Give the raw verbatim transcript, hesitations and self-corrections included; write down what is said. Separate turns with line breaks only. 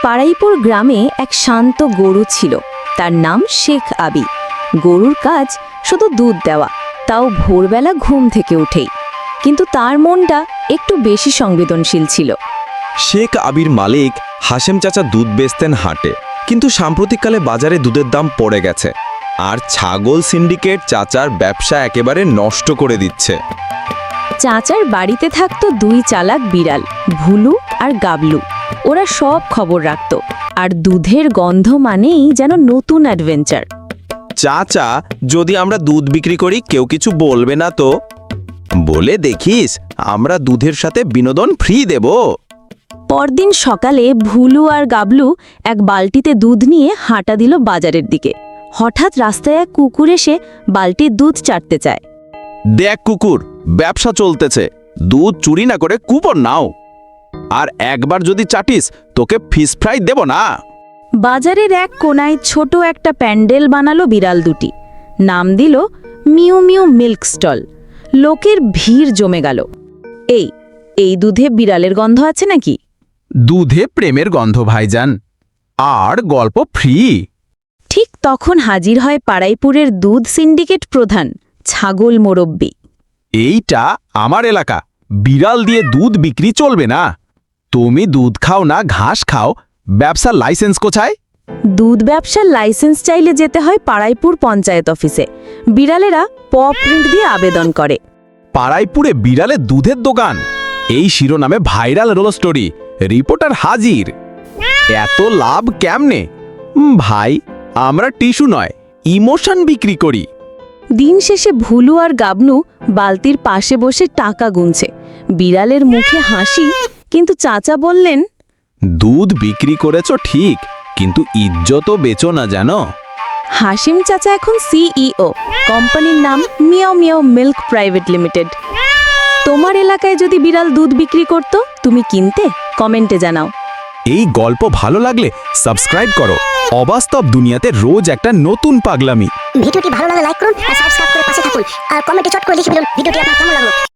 পাড়াইপুর গ্রামে এক শান্ত গরু ছিল, তার নাম শেখ আবি। গরুর কাজ শুধু দুধ দেওয়া, তাও ভোরবেলা ঘুম থেকে উঠেই। কিন্তু তার মনটা একটু বেশি সংবেদনশীল ছিল।
শেখ আবির মালিক হাশেম চাচা দুধ বেচতেন হাটে, কিন্তু সাম্প্রতিককালে বাজারে দুধের দাম পড়ে গেছে, আর ছাগল সিন্ডিকেট চাচার ব্যবসা একেবারে নষ্ট করে দিচ্ছে।
চাচার বাড়িতে থাকতো দুই চালাক বিড়াল, ভুলু আর গাবলু। ওরা সব খবর রাখত, আর দুধের গন্ধ মানেই যেন নতুন অ্যাডভেঞ্চার।
চাচা, যদি আমরা দুধ বিক্রি করি কেউ কিছু বলবে না তো? বলে দেখিস, আমরা দুধের সাথে বিনোদন ফ্রি দেব।
পরদিন সকালে ভুলু আর গাবলু এক বালতিতে দুধ নিয়ে হাঁটা দিল বাজারের দিকে। হঠাৎ রাস্তায় এক কুকুর এসে বালতির দুধ চাটতে চায়।
দেখ কুকুর, ব্যবসা চলতেছে, দুধ চুরি না করে কুপন নাও, আর একবার যদি চাটিস তোকে ফিশ ফ্রাই দেব না।
বাজারের এক কোনায় ছোট একটা প্যান্ডেল বানালো বিড়াল দুটি, নাম দিল মিউ মিউ মিল্ক স্টল। লোকের ভিড় জমে গেল। এই এই দুধে বিড়ালের গন্ধ আছে নাকি?
দুধে প্রেমের গন্ধ ভাইজান, আর গল্প ফ্রি।
ঠিক তখন হাজির হয় পাড়াইপুরের দুধ সিন্ডিকেট প্রধান ছাগল মোরব্বি।
এইটা আমার এলাকা, বিড়াল দিয়ে দুধ বিক্রি চলবে না। তুমি দুধ খাও না ঘাস খাও, ব্যবসার লাইসেন্স কোথায়?
দুধ ব্যবসার লাইসেন্স চাইলে যেতে হয় পাড়াইপুর পঞ্চায়েত অফিসে। বিড়ালেরা প প্রিন্ট দিয়ে আবেদন করে।
পাড়াইপুরে বিড়ালের দুধের দোকান, এই শিরোনামে ভাইরাল রোল স্টোরি, রিপোর্টার হাজির। এত লাভ কেমনে? উম, ভাই, আমরা টিস্যু নয়, ইমোশন বিক্রি করি।
দিন শেষে ভুলু আর গাবনু বালতির পাশে বসে টাকা গুনছে। বিড়ালের মুখে হাসি, কিন্তু চাচা বললেন,
দুধ বিক্রি করেছো ঠিক, কিন্তু ইজ্জতও বেচো না জানো।
হাসিম চাচা এখন সিইও, কোম্পানির নাম Meow Meow Milk Private Limited. তোমার এলাকায় যদি বিড়াল দুধ বিক্রি করত, তুমি কিনতে? কমেন্টে জানাও।
এই গল্প ভালো লাগলে সাবস্ক্রাইব করো। অবাস্তব দুনিয়াতে রোজ একটা নতুন পাগলামি।
ভিডিওটি ভালো লাগলে লাইক করুন আর সাবস্ক্রাইব করে পাশে থাকুন, আর কমেন্টে চট করে লিখে ফেলুন ভিডিওটি আপনার কেমন লাগলো।